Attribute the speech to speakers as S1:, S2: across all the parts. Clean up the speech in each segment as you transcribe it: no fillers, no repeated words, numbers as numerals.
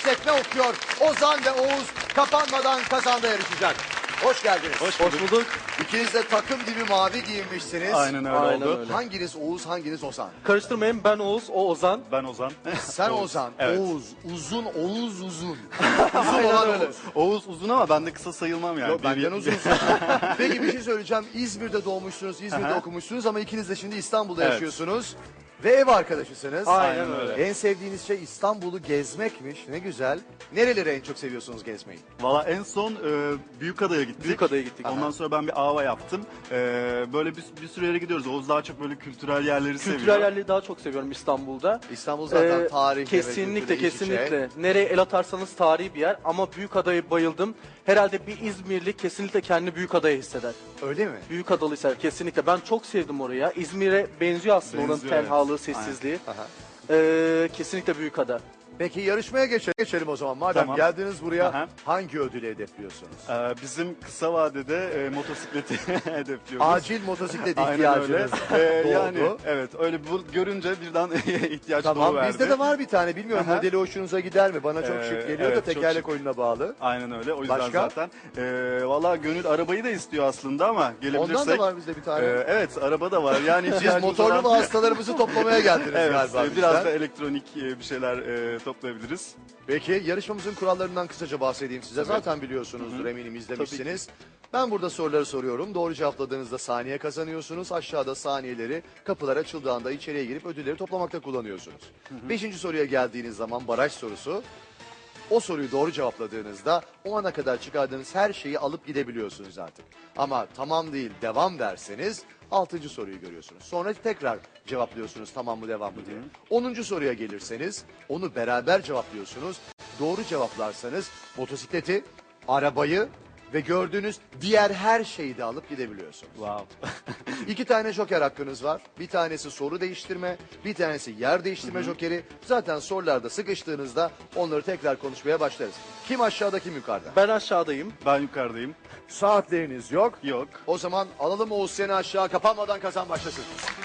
S1: işletme okuyor. Ozan ve Oğuz kapanmadan kazanda yarışacak. Hoş geldiniz.
S2: Hoş bulduk.
S1: İkiniz de takım gibi mavi giyinmişsiniz.
S2: Aynen öyle oldu.
S3: öyle.
S1: Hanginiz Oğuz, hanginiz Ozan?
S3: Karıştırmayın, ben Oğuz, o Ozan.
S2: Ben Ozan.
S1: Sen Ozan,
S2: Evet.
S1: Oğuz, uzun, Oğuz uzun. Uzun olan Oğuz.
S2: Oğuz uzun ama ben de kısa sayılmam yani.
S1: Yok, benden uzunsun. Peki bir şey söyleyeceğim. İzmir'de doğmuşsunuz, İzmir'de okumuşsunuz ama ikiniz de şimdi İstanbul'da
S2: Evet.
S1: yaşıyorsunuz. Ve ev arkadaşısınız.
S3: Aynen öyle.
S1: En sevdiğiniz şey İstanbul'u gezmekmiş. Ne güzel. Nereleri en çok seviyorsunuz gezmeyi?
S2: Valla en son Büyükada'ya gittik.
S3: Büyükada'ya gittik.
S2: Ondan sonra ben bir AVA yaptım. Böyle bir sürü yere gidiyoruz. Oğuz daha çok böyle kültürel yerleri seviyor.
S3: Kültürel yerleri daha çok seviyorum İstanbul'da.
S1: İstanbul zaten tarihle ve
S3: Kesinlikle,
S1: kültürle iç içe.
S3: kesinlikle. Nereye el atarsanız tarihi bir yer ama Büyükada'ya bayıldım. Herhalde bir İzmirli kesinlikle kendini Büyükada'ya hisseder.
S1: Öyle mi?
S3: Büyükadalı hisseder kesinlikle. Ben çok sevdim oraya. İzmir'e benziyor aslında onun
S2: Benziyor, evet.
S3: tenhalığı, sessizliği.
S1: Aha.
S3: Kesinlikle Büyükada.
S1: Peki yarışmaya geçelim o zaman. Madem
S2: Tamam.
S1: geldiniz buraya
S2: Aha.
S1: hangi ödülü hedefliyorsunuz?
S2: Bizim kısa vadede motosikleti hedefliyoruz.
S1: Acil motosiklet
S2: Aynen
S1: ihtiyacınız
S2: öyle.
S1: doğdu.
S2: Yani evet öyle bu görünce birden ihtiyaç
S1: Tamam,
S2: doğuverdi.
S1: bizde de var bir tane. Bilmiyorum
S2: Aha.
S1: modeli hoşunuza gider mi? Bana çok şık geliyor da
S2: evet, çok
S1: tekerlek
S2: şık.
S1: oyununa bağlı.
S2: Aynen öyle. O yüzden
S1: Başka?
S2: zaten. Valla Gönül arabayı da istiyor aslında ama gelebilirsek.
S1: Ondan da var bizde bir tane.
S2: Evet araba da var. Yani
S1: Siz
S2: ihtiyacımız
S1: motorlu
S2: olan-
S1: hastalarımızı toplamaya geldiniz
S2: Evet,
S1: galiba
S2: biraz
S1: bizden.
S2: da elektronik bir şeyler toplayabiliriz.
S1: Peki yarışmamızın kurallarından kısaca bahsedeyim size. Zaten biliyorsunuzdur, eminim izlemişsiniz. Ben burada soruları soruyorum. Doğru cevapladığınızda saniye kazanıyorsunuz. Aşağıda saniyeleri kapılar açıldığı anda içeriye girip ödülleri toplamakta kullanıyorsunuz. Beşinci soruya geldiğiniz zaman baraj sorusu. O soruyu doğru cevapladığınızda o ana kadar çıkardığınız her şeyi alıp gidebiliyorsunuz artık. Ama tamam değil devam derseniz 6. soruyu görüyorsunuz. Sonra tekrar cevaplıyorsunuz tamam mı devam mı diye. 10. soruya gelirseniz onu beraber cevaplıyorsunuz. Doğru cevaplarsanız motosikleti, arabayı ve gördüğünüz diğer her şeyi de alıp gidebiliyorsunuz.
S2: Wow.
S1: 2 tane joker hakkınız var. Bir tanesi soru değiştirme, bir tanesi yer değiştirme jokeri. Zaten sorularda sıkıştığınızda onları tekrar konuşmaya başlarız. Kim aşağıda kim yukarıda?
S3: Ben aşağıdayım.
S2: Ben yukarıdayım.
S1: Saatleriniz yok.
S2: Yok.
S1: O zaman alalım Oğuz seni aşağı, kapanmadan kazan başlasın.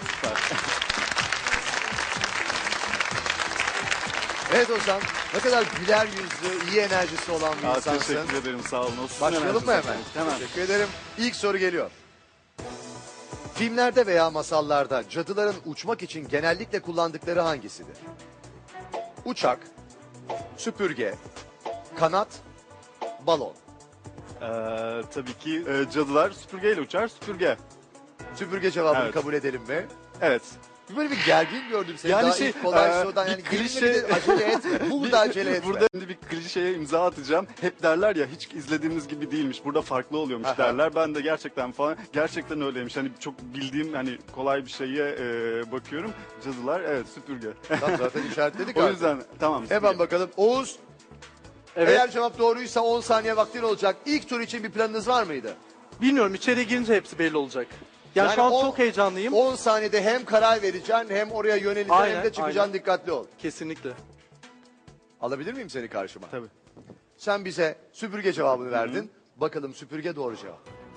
S1: Evet Ozan, ne kadar güler yüzlü, iyi enerjisi olan bir insansın.
S2: Teşekkür ederim sağ olun. O sizin
S1: Başlayalım mı
S2: enerjiniz
S1: hemen?
S2: efendim. Hemen.
S1: Teşekkür ederim. İlk soru geliyor. Filmlerde veya masallarda cadıların uçmak için genellikle kullandıkları hangisidir? Uçak, süpürge, kanat, balon.
S2: Tabii ki cadılar süpürgeyle uçar. Süpürge.
S1: Süpürge cevabını
S2: Evet.
S1: kabul edelim mi?
S2: Evet.
S1: Böyle bir gergin gördüm seni.
S2: Yani
S1: Daha
S2: şey,
S1: ilk kolay sorudan
S2: bir
S1: yani
S2: klişe-
S1: gelinle bir de acele etme. Burada acele etme.
S2: Burada şimdi bir klişeye imza atacağım. Hep derler ya hiç izlediğimiz gibi değilmiş. Burada farklı oluyormuş
S1: Aha.
S2: derler. Ben de gerçekten öyleymiş. Hani çok bildiğim hani kolay bir şeye bakıyorum. Cadılar evet süpürge.
S1: Tamam, zaten işaretledik
S2: O
S1: artık.
S2: yüzden tamam.
S1: Hemen
S2: süpürge.
S1: bakalım. Oğuz,
S3: Evet.
S1: eğer cevap doğruysa 10 saniye vaktin olacak. İlk tur için bir planınız var mıydı?
S3: Bilmiyorum, içeriye girince hepsi belli olacak. Yani şu an çok heyecanlıyım.
S1: 10 saniyede hem karar vereceksin hem oraya yöneleceksin
S3: Aynen,
S1: hem de çıkacaksın,
S3: aynen.
S1: dikkatli ol.
S3: Kesinlikle.
S1: Alabilir miyim seni karşıma?
S2: Tabii.
S1: Sen bize süpürge cevabını verdin. Bakalım süpürge doğru cevap.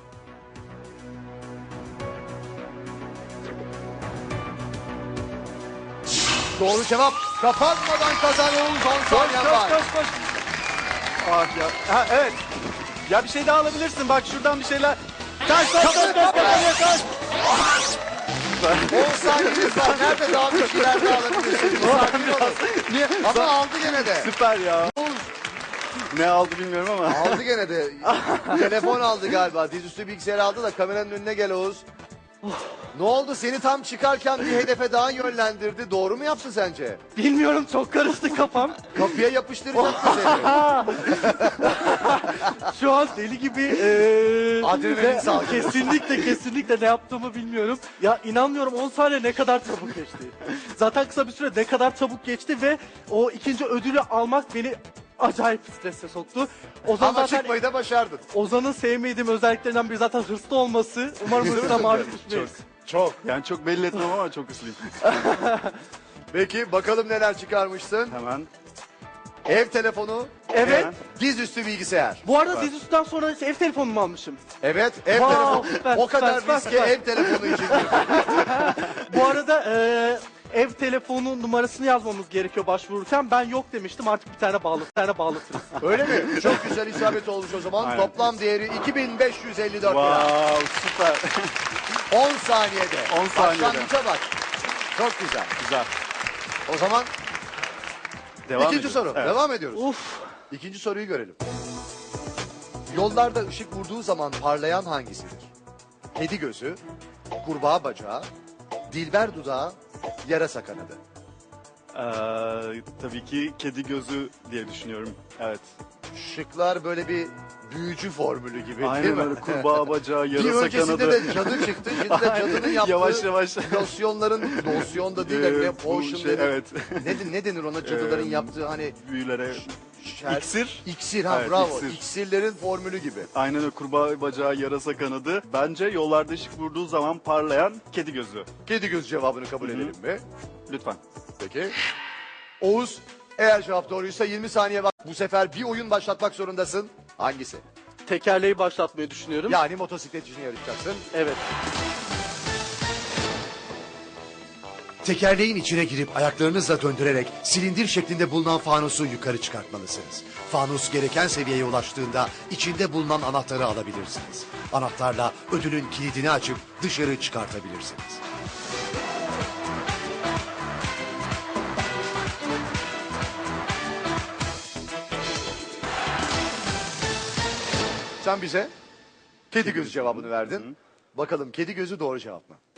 S1: Doğru cevap. Kapanmadan kazan Oğuz, 10 saniyen var.
S3: koş.
S2: Ah ya. Ha, evet. Ya bir şey daha alabilirsin. Bak şuradan bir şeyler. Kaç.
S1: 10 saniyeniz var. Nerede daha bir şeyler daha alabilirsiniz? Sakin olun.
S2: Niye?
S1: Ama aldı gene de.
S2: Süper ya. Ne aldı bilmiyorum ama.
S1: Aldı gene de. Telefon aldı galiba. Dizüstü bilgisayar aldı da kameranın önüne gel Oğuz. Ne oldu? Seni tam çıkarken bir hedefe daha yönlendirdi. Doğru mu yaptı sence?
S3: Bilmiyorum, çok karıştı kafam.
S1: Kapıya yapıştıracaktı seni.
S3: Şu an deli gibi
S1: Adrenalin salgını.
S3: kesinlikle ne yaptığımı bilmiyorum. Ya inanmıyorum, 10 saniye ne kadar çabuk geçti. Zaten kısa bir süre ne kadar çabuk geçti ve o ikinci ödülü almak beni acayip strese soktu. Ozan
S1: Ama
S3: zaten,
S1: çıkmayı da başardın.
S3: Ozan'ın sevmediğim özelliklerinden biri zaten hırslı olması. Umarım hırsına maruz düşmeyiz.
S1: Çok.
S2: Yani çok belli etmem ama çok ıslıyım.
S1: Peki bakalım neler çıkarmışsın.
S2: Hemen.
S1: Ev telefonu,
S3: Evet.
S1: dizüstü bilgisayar.
S3: Bu arada dizüstüden sonra ev telefonumu almışım.
S1: Evet, ev
S3: Wow,
S1: telefonu.
S3: süper,
S1: O kadar
S3: süper,
S1: riske
S3: süper.
S1: ev telefonu için girdim.
S3: Bu arada ev telefonu numarasını yazmamız gerekiyor başvururken. Ben yok demiştim, artık bir tane bağlatırız.
S1: Öyle mi? Çok güzel isabet olmuş o zaman.
S2: Aynen.
S1: Toplam değeri 2554 lira.
S2: Wow, süper.
S1: 10 saniyede.
S2: 10 saniyede.
S1: Başlangıça bak. Çok güzel.
S2: Güzel.
S1: O zaman
S2: Devam
S1: ikinci
S2: ediyoruz.
S1: soru.
S2: Evet.
S1: Devam ediyoruz.
S3: Uf.
S1: İkinci soruyu görelim. Yollarda ışık vurduğu zaman parlayan hangisidir? Kedi gözü, kurbağa bacağı, dilber dudağı, yarasa kanadı.
S2: Tabii ki kedi gözü diye düşünüyorum. Evet.
S1: Şıklar böyle bir büyücü formülü gibi değil
S2: Aynen
S1: mi?
S2: öyle, kurbağa bacağı,
S1: Bir
S2: yarasa
S1: öncesinde
S2: kanadı.
S1: de cadı çıktı. Şimdi de cadının yaptığı
S2: Yavaş yavaş.
S1: losyonda değil de ne
S2: Bu
S1: potion
S2: şey,
S1: denir.
S2: evet.
S1: Ne denir ona cadıların yaptığı hani
S2: Büyülere.
S1: şer-
S2: İksir.
S1: İksir ha
S2: Evet,
S1: bravo.
S2: iksir.
S1: İksirlerin formülü gibi.
S2: Aynen öyle, kurbağa bacağı, yarasa kanadı. Bence yollarda ışık vurduğu zaman parlayan kedi gözü.
S1: Kedi göz cevabını kabul edelim mi?
S2: Lütfen.
S1: Peki. Oğuz, eğer cevap doğruysa 20 saniye var. Bu sefer bir oyun başlatmak zorundasın. Hangisi?
S3: Tekerleği başlatmayı düşünüyorum.
S1: Yani motosiklet için yarışacaksın.
S3: Evet.
S1: Tekerleğin içine girip ayaklarınızla döndürerek silindir şeklinde bulunan fanusu yukarı çıkartmalısınız. Fanus gereken seviyeye ulaştığında içinde bulunan anahtarı alabilirsiniz. Anahtarla ödülün kilidini açıp dışarı çıkartabilirsiniz. Sen bize kedi gözü cevabını verdin. Bakalım kedi gözü doğru cevap mı?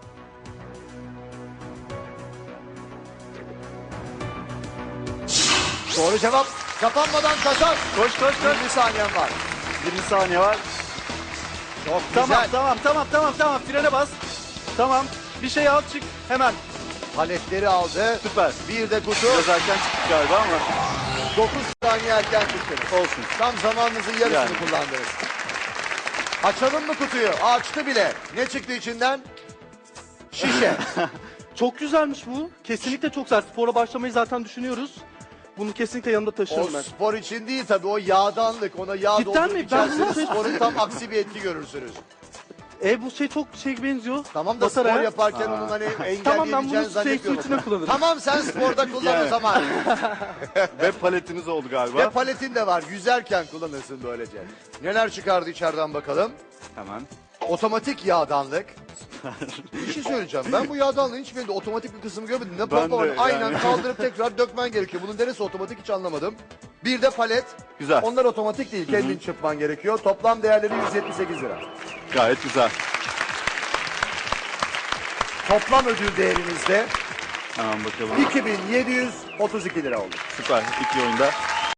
S1: Doğru cevap. Kapanmadan kazan.
S2: Koş koş koş.
S1: 20 saniyen var.
S2: 20 saniye var.
S1: Çok
S2: Tamam
S1: güzel.
S2: tamam. Frene bas. Tamam. Bir şey al çık hemen.
S1: Paletleri aldı.
S2: Süper.
S1: Bir de kutu.
S2: Biraz erken çıktık galiba ama
S1: 9 saniye erken çıktınız.
S2: olsun.
S1: Tam zamanınızın yarısını
S2: Yani.
S1: kullandınız. Açalım mı kutuyu? Açtı bile. Ne çıktı içinden? Şişe.
S3: Çok güzelmiş bu. Kesinlikle çok güzel. Spora başlamayı zaten düşünüyoruz. Bunu kesinlikle yanımda
S1: O
S3: taşırım ben.
S1: spor için değil tabii, o yağdanlık. Ona yağ
S3: Cidden
S1: doldurup
S3: mi? Ben
S1: içerseniz
S3: bunu-
S1: sporun tam aksi bir etki görürsünüz.
S3: Bu şey çok benziyor.
S1: Tamam da
S3: Batar
S1: spor
S3: ha?
S1: yaparken onun hani
S3: Tamam, ben
S1: engelleyebileceğini
S3: bunu şey su
S1: zannetmiyorum.
S3: içine kullanırım.
S1: Tamam, sen sporda kullan o
S2: Yani.
S1: zaman.
S2: Ve paletiniz oldu galiba.
S1: Ve paletin de var. Yüzerken kullanırsın böylece. Neler çıkardı içeriden bakalım.
S2: Hemen.
S1: Otomatik yağdanlık. Bir şey söyleyeceğim. Ben bu yağdanlığın hiçbirinde otomatik bir kısmı görmedim. Ne
S2: Ben
S1: pompa var.
S2: de
S1: Aynen
S2: yani.
S1: kaldırıp tekrar dökmen gerekiyor. Bunun neresi otomatik hiç anlamadım. Bir de palet.
S2: Güzel.
S1: Onlar otomatik değil. Kendin çırpman gerekiyor. Toplam değerleri 178 lira.
S2: Gayet güzel.
S1: Toplam ödül değerinizde
S2: Hemen bakalım.
S1: 2732 lira oldu.
S2: Süper. İki oyunda.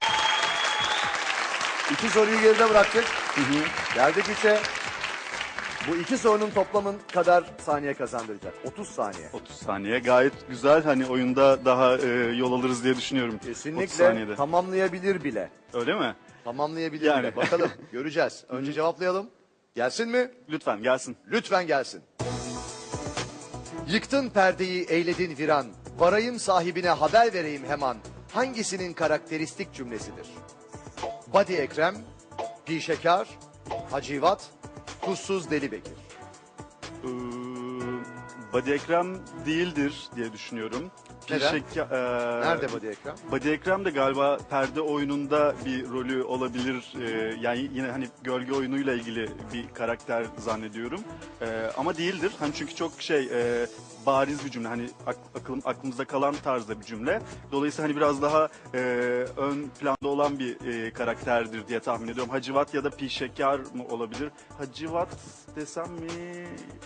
S1: İki soruyu geride bıraktık. Geldik ise bu iki sorunun toplamın kadar saniye kazandıracak. 30 saniye.
S2: 30 saniye. Gayet güzel. Hani oyunda daha yol alırız diye düşünüyorum. 30
S1: Kesinlikle
S2: saniyede.
S1: tamamlayabilir bile.
S2: Öyle mi?
S1: Tamamlayabilir
S2: Yani.
S1: bile. Bakalım göreceğiz. Önce cevaplayalım. Gelsin mi?
S2: Lütfen gelsin.
S1: Lütfen gelsin. Yıktın perdeyi, eyledin viran. Varayım sahibine, haber vereyim hemen. Hangisinin karakteristik cümlesidir? Badi Ekrem, Pişekar, Hacivat, Tuzsuz Deli Bekir.
S2: Ee, Badi Ekrem değildir diye düşünüyorum.
S1: Neden?
S2: Nerede
S1: Badi Ekrem?
S2: Badi Ekrem de galiba perde oyununda bir rolü olabilir. Yani yine hani gölge oyunuyla ilgili bir karakter zannediyorum. Ama değildir. Hani çünkü çok bariz bir cümle. Hani aklımızda kalan tarzda bir cümle. Dolayısıyla hani biraz daha ön planda olan bir karakterdir diye tahmin ediyorum. Hacivat ya da Pişekar mı olabilir? Hacivat desem mi?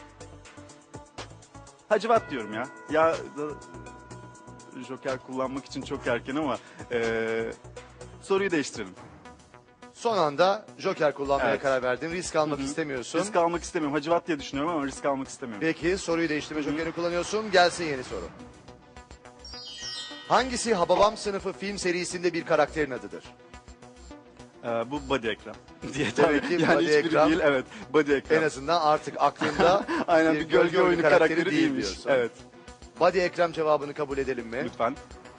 S2: Hacivat diyorum ya. Joker kullanmak için çok erken ama soruyu değiştirelim.
S1: Son anda Joker kullanmaya
S2: Evet.
S1: karar verdin. Risk almak istemiyorsun.
S2: Risk almak istemiyorum. Hacivat diye düşünüyorum ama risk almak istemiyorum.
S1: Peki soruyu değiştirme jokerini kullanıyorsun. Gelsin yeni soru. Hangisi Hababam sınıfı film serisinde bir karakterin adıdır?
S2: Bu Badi Ekrem diye
S1: Demek ki
S2: yani
S1: Badi
S2: hiçbiri
S1: Ekrem.
S2: değil. Evet, Badi Ekrem.
S1: En azından artık aklında
S2: Aynen bir gölge oyunu karakteri değilmiş.
S1: diyorsun.
S2: Evet,
S1: Badi Ekrem cevabını kabul edelim mi?
S2: lütfen.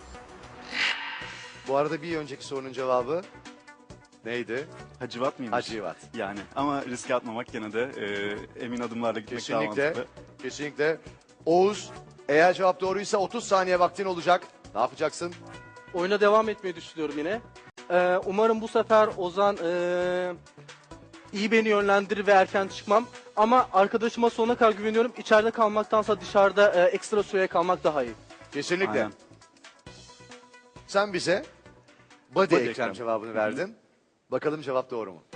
S1: Bu arada bir önceki sorunun cevabı neydi?
S2: Hacivat mıymış?
S1: Hacivat.
S2: Yani ama riske atmamak gene de emin adımlarla gitmek daha
S1: Kesinlikle.
S2: mantıklı.
S1: Kesinlikle. Oğuz, Eğer cevap doğruysa 30 saniye vaktin olacak. Ne yapacaksın?
S3: Oyuna devam etmeyi düşünüyorum yine. Umarım bu sefer Ozan iyi beni yönlendirir ve erken çıkmam. Ama arkadaşıma sonuna kadar güveniyorum. İçeride kalmaktansa dışarıda ekstra süreye kalmak daha iyi.
S1: Kesinlikle.
S2: Aynen.
S1: Sen bize body,
S2: Body
S1: Ekrem
S2: Ekrem.
S1: cevabını verdin. Bakalım cevap doğru mu?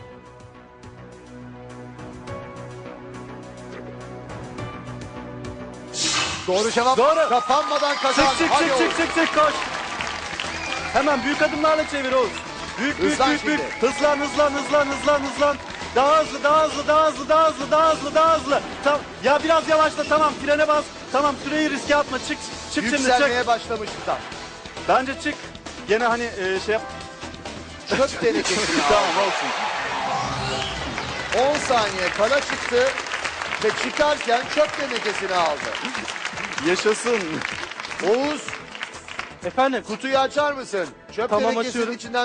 S1: Doğru cevap.
S3: Doğru.
S1: Kapanmadan kazan.
S3: Çık çık
S1: Hadi
S3: çık
S1: Oğuz.
S3: çık çık çık koş. Hemen büyük adımlarla çevir Oğuz. Büyük büyük
S1: Hızlan
S3: büyük büyük.
S1: şimdi.
S3: Hızlan hızlan hızlan hızlan hızlan. Daha hızlı daha hızlı daha hızlı daha hızlı daha hızlı daha hızlı. Ya biraz yavaşla tamam frene bas. Tamam süreyi riske atma çık çık şimdi çık.
S1: Yükselmeye başlamıştı tam.
S3: Bence çık.
S2: Gene hani şey yap.
S1: Çöp tenekesini
S2: Tamam
S1: aldı.
S2: olsun.
S1: 10 saniye kala çıktı ve çıkarken çöp tenekesini aldı.
S2: Yaşasın.
S1: Oğuz,
S3: Efendim
S1: kutuyu açar mısın? Çöp
S3: Tamam,
S1: tenekesinin
S3: açıyorum.
S1: içinden